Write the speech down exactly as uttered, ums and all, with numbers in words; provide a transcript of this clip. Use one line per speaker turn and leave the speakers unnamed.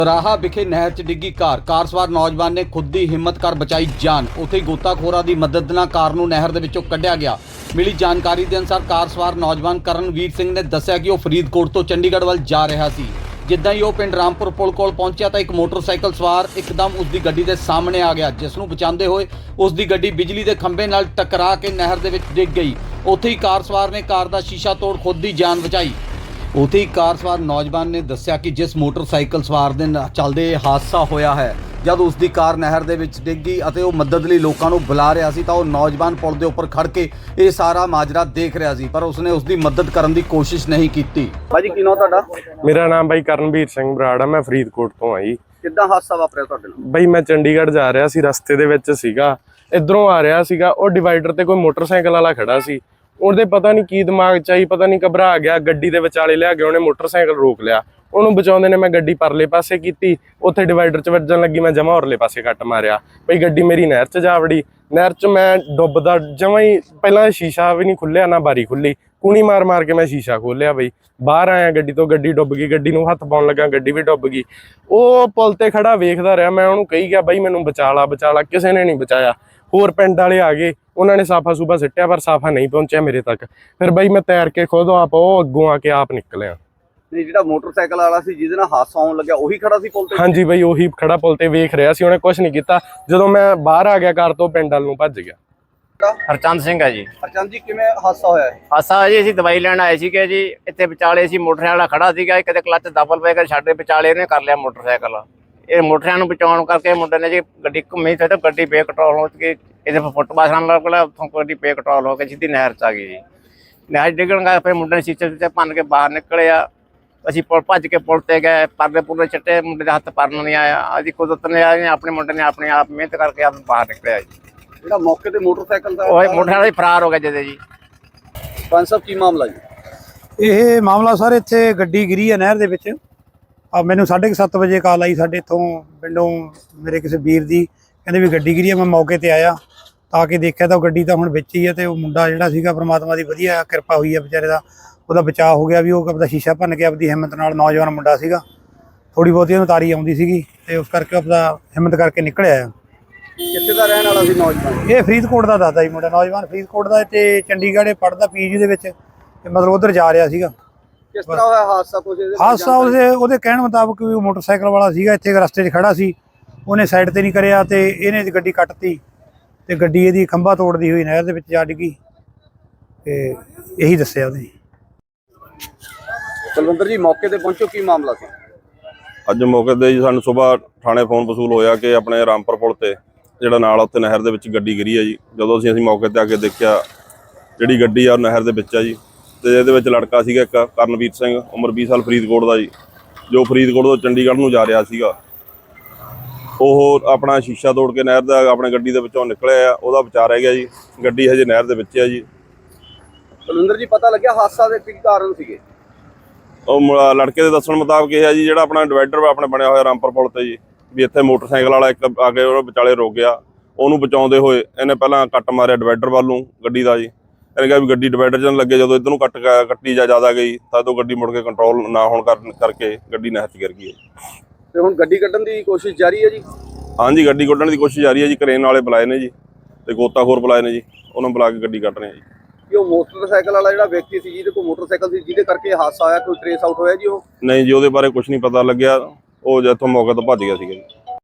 ਰਾਹਾ ਵਿਖੇ ਨਹਿਰ 'ਚ ਡਿੱਗੀ ਕਾਰ ਕਾਰ ਸਵਾਰ ਨੌਜਵਾਨ ਨੇ ਖੁਦ ਦੀ ਹਿੰਮਤ ਕਰ ਬਚਾਈ ਜਾਨ। ਉੱਥੇ ਹੀ ਗੋਤਾਖੋਰਾਂ ਦੀ ਮਦਦ ਨਾਲ ਕਾਰ ਨੂੰ ਨਹਿਰ ਦੇ ਵਿੱਚੋਂ ਕੱਢਿਆ ਗਿਆ। ਮਿਲੀ ਜਾਣਕਾਰੀ ਦੇ ਅਨੁਸਾਰ ਕਾਰ ਸਵਾਰ ਨੌਜਵਾਨ ਕਰਨਵੀਰ ਸਿੰਘ ਨੇ ਦੱਸਿਆ ਕਿ ਉਹ ਫਰੀਦਕੋਟ ਤੋਂ ਚੰਡੀਗੜ੍ਹ ਵੱਲ ਜਾ ਰਿਹਾ ਸੀ। ਜਿੱਦਾਂ ਹੀ ਉਹ ਪਿੰਡ ਰਾਮਪੁਰ ਪੁਲ ਕੋਲ ਪਹੁੰਚਿਆ ਤਾਂ ਇੱਕ ਮੋਟਰਸਾਈਕਲ ਸਵਾਰ ਇੱਕਦਮ ਉਸ ਦੀ ਗੱਡੀ ਦੇ ਸਾਹਮਣੇ ਆ ਗਿਆ, ਜਿਸ ਨੂੰ ਬਚਾਉਂਦੇ ਹੋਏ ਉਸ ਦੀ ਗੱਡੀ ਬਿਜਲੀ ਦੇ ਖੰਭੇ ਨਾਲ ਟਕਰਾ ਕੇ ਨਹਿਰ ਦੇ ਵਿੱਚ ਡਿੱਗ ਗਈ। ਉੱਥੇ ਹੀ ਕਾਰ ਸਵਾਰ ਨੇ ਕਾਰ ਦਾ ਸ਼ੀਸ਼ਾ ਤੋੜ ਖੁਦ ਦੀ ਜਾਨ ਬਚਾਈ। ਉੱਥੇ ਹੀ ਕਾਰ ਸਵਾਰ ਨੌਜਵਾਨ ਨੇ ਦੱਸਿਆ ਕਿ ਜਿਸ ਮੋਟਰਸਾਈਕਲ ਸਵਾਰ ਦੇ ਚੱਲਦੇ ਹਾਦਸਾ ਹੋਇਆ ਹੈ, ਜਦ ਉਸ ਦੀ ਕਾਰ ਨਹਿਰ ਦੇ ਵਿੱਚ ਡਿੱਗੀ ਅਤੇ ਉਹ ਮਦਦ ਲਈ ਲੋਕਾਂ ਨੂੰ ਬੁਲਾ ਰਿਹਾ ਸੀ ਤਾਂ ਉਹ ਨੌਜਵਾਨ ਪੁਲ ਦੇ ਉੱਪਰ ਖੜ ਕੇ ਇਹ ਸਾਰਾ ਮਾਜਰਾ ਦੇਖ ਰਿਹਾ ਸੀ, ਪਰ ਉਸਨੇ ਉਸ ਦੀ ਮਦਦ ਕਰਨ ਦੀ ਕੋਸ਼ਿਸ਼ ਨਹੀਂ ਕੀਤੀ। ਭਾਜੀ ਕੀ ਨਾਮ ਤੁਹਾਡਾ?
ਮੇਰਾ ਨਾਮ ਬਾਈ ਕਰਨਵੀਰ ਸਿੰਘ ਬਰਾੜ ਆ, ਮੈਂ ਫਰੀਦਕੋਟ ਤੋਂ ਆਈ।
ਕਿੱਦਾਂ ਹਾਦਸਾ ਵਾਪਰਿਆ ਤੁਹਾਡੇ ਨਾਲ?
ਬਾਈ ਮੈਂ ਚੰਡੀਗੜ੍ਹ ਜਾ ਰਿਹਾ ਸੀ, ਰਸਤੇ ਦੇ ਵਿੱਚ ਸੀਗਾ, ਇਧਰੋਂ ਆ ਰਿਹਾ ਸੀਗਾ, ਉਹ ਡਿਵਾਈਡਰ ਤੇ ਕੋਈ ਮੋਟਰਸਾਈਕਲ ਵਾਲਾ ਖੜਾ ਸੀ। ਉਹਦੇ ਪਤਾ ਨਹੀਂ ਕੀ ਦਿਮਾਗ ਚ ਆਈ, ਪਤਾ ਨਹੀਂ ਘਬਰਾ ਗਿਆ, ਗੱਡੀ ਦੇ ਵਿਚਾਲੇ ਲਿਆ ਕੇ ਉਹਨੇ ਮੋਟਰਸਾਈਕਲ ਰੋਕ ਲਿਆ। ਉਹਨੂੰ ਬਚਾਉਂਦੇ ਨੇ ਮੈਂ ਗੱਡੀ ਪਰਲੇ ਪਾਸੇ ਕੀਤੀ, ਉੱਥੇ ਡਿਵਾਈਡਰ ਚ ਵੱਜਣ ਲੱਗੀ, ਮੈਂ ਜਮਾ ਉਰਲੇ ਪਾਸੇ ਕੱਟ ਮਾਰਿਆ। ਬਈ ਗੱਡੀ ਮੇਰੀ ਨਹਿਰ ਚ ਜਾ ਵੜੀ। ਨਹਿਰ ਚ ਮੈਂ ਡੁੱਬਦਾ ਜਮਾ ਹੀ, ਪਹਿਲਾਂ ਸ਼ੀਸ਼ਾ ਵੀ ਨਹੀਂ ਖੁੱਲਿਆ ਨਾ ਬਾਰੀ ਖੁੱਲੀ, ਕੂਣੀ ਮਾਰ ਮਾਰ ਕੇ ਮੈਂ ਸ਼ੀਸ਼ਾ ਖੋਲਿਆ। ਬਈ ਬਾਹਰ ਆਇਆ ਗੱਡੀ ਤੋਂ, ਗੱਡੀ ਡੁੱਬ ਗਈ। ਗੱਡੀ ਨੂੰ ਹੱਥ ਪਾਉਣ ਲੱਗਾ, ਗੱਡੀ ਵੀ ਡੁੱਬ ਗਈ। ਉਹ ਪੁਲ ਤੇ ਖੜਾ ਵੇਖਦਾ ਰਿਹਾ, ਮੈਂ ਉਹਨੂੰ ਕਹੀ ਗਿਆ ਬਾਈ ਮੈਨੂੰ ਬਚਾ ਲਾ ਬਚਾ ਲਾ, ਕਿਸੇ ਨੇ ਨਹੀਂ ਬਚਾਇਆ। ਹੋਰ ਪਿੰਡ ਵਾਲੇ ਆ ਗਏ, ਉਹਨਾਂ ਨੇ ਸਾਫਾ ਸੂਫਾ ਸਿੱਟਿਆ, ਪਰ ਸਾਫਾ ਨਹੀਂ ਪਹੁੰਚਿਆ ਮੇਰੇ ਤੱਕ। ਫਿਰ ਬਾਈ ਮੈਂ ਤੈਰ ਕੇ ਖੁਦ ਆਪ ਉਹ ਅੱਗੋਂ ਆ ਕੇ ਆਪ ਨਿਕਲਿਆ।
ਨਹੀਂ, ਜਿਹੜਾ ਮੋਟਰਸਾਈਕਲ ਵਾਲਾ ਸੀ ਜਿਹਦੇ ਨਾਲ ਹਾਦਸਾ ਹੋਣ ਲੱਗਿਆ ਉਹੀ ਖੜਾ ਸੀ ਪੁਲ ਤੇ?
ਹਾਂਜੀ ਬਾਈ ਉਹੀ ਖੜਾ ਪੁਲ ਤੇ ਵੇਖ ਰਿਹਾ ਸੀ, ਉਹਨੇ ਕੁਝ ਨਹੀਂ ਕੀਤਾ। ਜਦੋਂ ਮੈਂ ਬਾਹਰ ਆ ਗਿਆ ਕਾਰ ਤੋਂ, ਪਿੰਡ ਵੱਲ ਨੂੰ ਭੱਜ ਗਿਆ।
ਹਰਚੰਦ ਸਿੰਘ ਹੈ ਜੀ।
ਹਰਚੰਦ ਜੀ, ਕਿਵੇਂ ਹਾਦਸਾ ਹੋਇਆ ਹੈ?
ਹਾਦਸਾ ਜੀ ਅਸੀਂ ਦਵਾਈ ਲੈਣ ਆਏ ਸੀਗੇ ਜੀ, ਇੱਥੇ ਵਿਚਾਲੇ ਸੀ ਮੋਟਰਸਾਈਕਲ ਵਾਲਾ ਖੜਾ ਸੀਗਾ, ਕਿਤੇ ਕਲੱਚ ਦਬਲ ਪੈ ਕੇ ਸਾਡੇ ਵਿਚਾਲੇ ਇਹਨੇ ਕਰ ਲਿਆ ਮੋਟਰਸਾਈਕਲ। ਇਹ ਮੋਟਰਸਾਈਕਲ ਨੂੰ ਬਚਾਉਣ ਕਰਕੇ ਮੁੰਡੇ ਨੇ ਜੀ ਗੱਡੀ ਘੁੰਮੀ ਤੇ ਗੱਡੀ ਬੇਕੰਟਰੋਲ ਹੋ ਕੇ ਇਹਦੇ ਫੁੱਟਪਾਥ ਨਾਲ ਲੱਗ ਗਿਆ, ਉੱਥੋਂ ਗੱਡੀ ਬੇਕੰਟਰੋਲ ਹੋ ਕੇ ਸਿੱਧੀ ਨਹਿਰ 'ਚ ਆ ਗਈ ਜੀ। ਨਹਿਰ ਡਿੱਗਣ ਕਰਕੇ ਫਿਰ ਮੁੰਡੇ ਨੇ ਸ਼ੀਸ਼ੇ ਸ਼ੀਸ਼ੇ ਭੰਨ ਕੇ ਬਾਹਰ ਨਿਕਲਿਆ। ਅਸੀਂ ਪੁਲ ਭੱਜ ਕੇ ਪੁਲ ਤੇ ਗਏ, ਪਰਲੇ ਪੁਰਲੇ ਚੱਟੇ, ਮੁੰਡੇ ਦੇ ਹੱਥ ਪਰਨ ਨਹੀਂ ਆਇਆ। ਅਸੀਂ ਕੁਦਰਤ ਨੇ ਆਏ, ਆਪਣੇ ਮੁੰਡੇ ਨੇ ਆਪਣੇ ਆਪ ਮਿਹਨਤ ਕਰਕੇ ਆਪ ਬਾਹਰ ਨਿਕਲਿਆ ਜੀ।
ਜਿਹੜਾ ਮੌਕੇ ਤੇ ਮੋਟਰਸਾਈਕਲ ਦਾ
ਉਹ ਮੋਟਰਸਾਈਕਲ ਹੀ ਫਰਾਰ ਹੋ ਗਿਆ ਜਿਹਦੇ ਜੀ।
ਪੰਜ ਸਾਹਿਬ ਕੀ ਮਾਮਲਾ ਜੀ?
ਇਹ ਮਾਮਲਾ ਸਰ ਇੱਥੇ ਗੱਡੀ ਗਿਰੀ ਹੈ ਨਹਿਰ ਦੇ ਵਿੱਚ। ਆ ਮੈਨੂੰ ਸਾਢੇ ਕੁ ਸੱਤ ਵਜੇ ਕਾਲ ਆਈ ਸਾਡੇ ਇੱਥੋਂ ਪਿੰਡੋਂ, ਮੇਰੇ ਕਿਸੇ ਵੀਰ ਦੀ, ਕਹਿੰਦੇ ਵੀ ਗੱਡੀ ਗਿਰੀ ਹੈ। ਮੈਂ ਮੌਕੇ ਤੇ ਆਇਆ ਤਾਂ ਕਿ ਦੇਖਿਆ ਤਾਂ ਉਹ ਗੱਡੀ ਤਾਂ ਹੁਣ ਵਿੱਚ ਹੀ ਹੈ, ਤੇ ਉਹ ਮੁੰਡਾ ਜਿਹੜਾ ਸੀਗਾ ਪ੍ਰਮਾਤਮਾ ਦੀ ਵਧੀਆ ਕਿਰਪਾ ਹੋਈ ਹੈ ਵਿਚਾਰੇ ਦਾ, ਉਹਦਾ ਬਚਾਅ ਹੋ ਗਿਆ। ਵੀ ਉਹ ਆਪਦਾ ਸ਼ੀਸ਼ਾ ਭੰਨ ਕੇ ਆਪਦੀ ਹਿੰਮਤ ਨਾਲ, ਨੌਜਵਾਨ ਮੁੰਡਾ ਸੀਗਾ, ਥੋੜ੍ਹੀ ਬਹੁਤੀ ਉਹਨੂੰ ਤਾਰੀ ਆਉਂਦੀ ਸੀਗੀ, ਤੇ ਉਸ ਕਰਕੇ ਆਪਦਾ ਹਿੰਮਤ ਕਰਕੇ ਨਿਕਲਿਆ ਆ।
ਕਿੱਥੇ ਦਾ ਰਹਿਣ ਵਾਲਾ ਸੀ ਨੌਜਵਾਨ?
ਇਹ ਫਰੀਦਕੋਟ ਦਾ ਦੱਸਦਾ ਜੀ ਮੁੰਡਾ, ਨੌਜਵਾਨ ਫਰੀਦਕੋਟ ਦਾ, ਤੇ ਚੰਡੀਗੜ੍ਹ ਪੜ੍ਹਦਾ ਪੀਜੀ ਦੇ ਵਿੱਚ, ਤੇ ਮਤਲਬ ਉੱਧਰ ਜਾ ਰਿਹਾ ਸੀਗਾ।
ਕਿਸ ਤਰ੍ਹਾਂ ਹੋਇਆ ਹਾਦਸਾ? ਕੁਝ
ਹਾਦਸਾ ਉਹਦੇ ਉਹਦੇ ਕਹਿਣ ਮੁਤਾਬਕ ਵੀ ਉਹ ਮੋਟਰਸਾਈਕਲ ਵਾਲਾ ਸੀਗਾ, ਇੱਥੇ ਰਸਤੇ 'ਚ ਖੜਾ ਸੀ, ਉਹਨੇ ਸਾਈਡ ਤੇ ਨਹੀਂ ਕਰਿਆ ਤੇ ਇਹਨੇ ਗੱਡੀ ਕੱਟਤੀ, ਤੇ ਗੱਡੀ ਇਹਦੀ ਖੰਭਾ ਤੋੜਦੀ ਹੋਈ ਨਹਿਰ ਦੇ ਵਿੱਚ ਜਾ ਡਿੱਗੀ। ਤੇ ਇਹੀ ਦੱਸਿਆ ਉਹਨੇ।
ਕੁਲਵਿੰਦਰ ਜੀ, ਮੌਕੇ ਤੇ ਪਹੁੰਚੋ, ਕੀ ਮਾਮਲਾ ਸੀ?
ਅੱਜ ਮੌਕੇ ਤੇ ਜੀ ਸਾਨੂੰ ਸਵੇਰ ਥਾਣੇ ਫੋਨ ਵਸੂਲ ਹੋਇਆ ਕਿ ਆਪਣੇ ਰਾਮਪੁਰ ਪੁਲ ਤੇ ਜਿਹੜਾ ਨਾਲ ਉੱਥੇ ਨਹਿਰ ਦੇ ਵਿੱਚ ਗੱਡੀ ਗਿਰੀ ਹੈ ਜੀ। ਜਦੋਂ ਅਸੀਂ ਅਸੀਂ ਮੌਕੇ ਤੇ ਆ ਕੇ ਦੇਖਿਆ, ਜਿਹੜੀ ਗੱਡੀ ਆ ਉਹ ਨਹਿਰ ਦੇ ਵਿੱਚ ਆ ਜੀ, ਤੇ ਇਹਦੇ ਵਿੱਚ ਲੜਕਾ ਸੀਗਾ ਇੱਕ ਕਰਨਵੀਰ ਸਿੰਘ, ਉਮਰ ਵੀਹ ਸਾਲ, ਫਰੀਦਕੋਟ ਦਾ ਜੀ, ਜੋ ਫਰੀਦਕੋਟ ਤੋਂ ਚੰਡੀਗੜ੍ਹ ਨੂੰ ਜਾ ਰਿਹਾ ਸੀਗਾ। ਉਹ ਆਪਣਾ ਸ਼ੀਸ਼ਾ ਤੋੜ ਕੇ ਨਹਿਰ ਦਾ ਆਪਣੇ ਗੱਡੀ ਦੇ ਵਿੱਚੋਂ ਨਿਕਲਿਆ ਆ, ਉਹਦਾ ਬਚਾਅ ਰਹਿ ਗਿਆ ਜੀ। ਗੱਡੀ ਹਜੇ ਨਹਿਰ ਦੇ ਵਿੱਚ ਆ ਜੀ।
ਕੁਲਵਿੰਦਰ ਜੀ, ਪਤਾ ਲੱਗਿਆ ਹਾਦਸਾ ਦੇ ਕੀ ਕਾਰਨ ਸੀਗੇ?
ਉਹ ਲੜਕੇ ਦੇ ਦੱਸਣ ਮੁਤਾਬਕ ਇਹ ਹੈ ਜੀ, ਜਿਹੜਾ ਆਪਣਾ ਡਿਵਾਈਡਰ ਆਪਣੇ ਬਣਿਆ ਹੋਇਆ ਰਾਮਪੁਰ ਪੁਲ ਤੇ ਜੀ, ਵੀ ਇੱਥੇ ਮੋਟਰਸਾਈਕਲ ਵਾਲਾ ਇੱਕ ਆ ਕੇ ਉਹ ਵਿਚਾਲੇ ਰੁਕ ਗਿਆ। ਉਹਨੂੰ ਬਚਾਉਂਦੇ ਹੋਏ ਇਹਨੇ ਪਹਿਲਾਂ ਕੱਟ ਮਾਰਿਆ ਡਿਵਾਈਡਰ ਵੱਲ ਨੂੰ ਗੱਡੀ ਦਾ ਜੀ। ਇਹਨੇ ਕਿਹਾ ਵੀ ਗੱਡੀ ਡਿਵਾਈਡਰ 'ਚ ਲੱਗੇ, ਜਦੋਂ ਇੱਧਰ ਨੂੰ ਕੱਟ ਕੱਟੀ ਜਾ ਜ਼ਿਆਦਾ ਗਈ ਤਾਂ ਉਦੋਂ ਗੱਡੀ ਮੁੜ ਕੇ ਕੰਟਰੋਲ ਨਾ ਹੋਣ ਕਰਨ ਕਰਕੇ ਗੱਡੀ ਨਹਿਰ 'ਚ ਗਿਰ ਗਈ ਹੈ।
ਤੇ ਹੁਣ ਗੱਡੀ ਕੱਢਣ ਦੀ ਕੋਸ਼ਿਸ਼ ਜਾਰੀ ਹੈ ਜੀ?
ਹਾਂਜੀ, ਗੱਡੀ ਕੱਢਣ ਦੀ ਕੋਸ਼ਿਸ਼ ਜਾਰੀ ਹੈ ਜੀ। ਕਰੇਨ ਵਾਲੇ ਬੁਲਾਏ ਨੇ ਜੀ, ਤੇ ਗੋਤਾਖੋਰ ਬੁਲਾਏ ਨੇ ਜੀ, ਉਹਨਾਂ ਨੂੰ ਬੁਲਾ ਕੇ ਗੱਡੀ ਕੱਢ ਰਹੇ ਆ ਜੀ।
ਕਿ ਉਹ ਮੋਟਰਸਾਈਕਲ ਵਾਲਾ ਜਿਹੜਾ ਵਿਅਕਤੀ ਸੀ ਜਿਹਦੇ ਕੋਲ ਮੋਟਰਸਾਈਕਲ ਸੀ, ਜਿਹਦੇ ਕਰਕੇ ਹਾਦਸਾ ਹੋਇਆ, ਕੋਈ ਟ੍ਰੇਸ ਆਊਟ ਹੋਇਆ ਜੀ? ਉਹ
ਨਹੀਂ ਜੀ, ਉਹਦੇ ਬਾਰੇ ਕੁਝ ਨਹੀਂ ਪਤਾ ਲੱਗਿਆ। ਉਹ ਜਿੱਥੋਂ ਮੌਕੇ ਤੋਂ ਭੱਜ ਗਿਆ ਸੀਗਾ ਜੀ।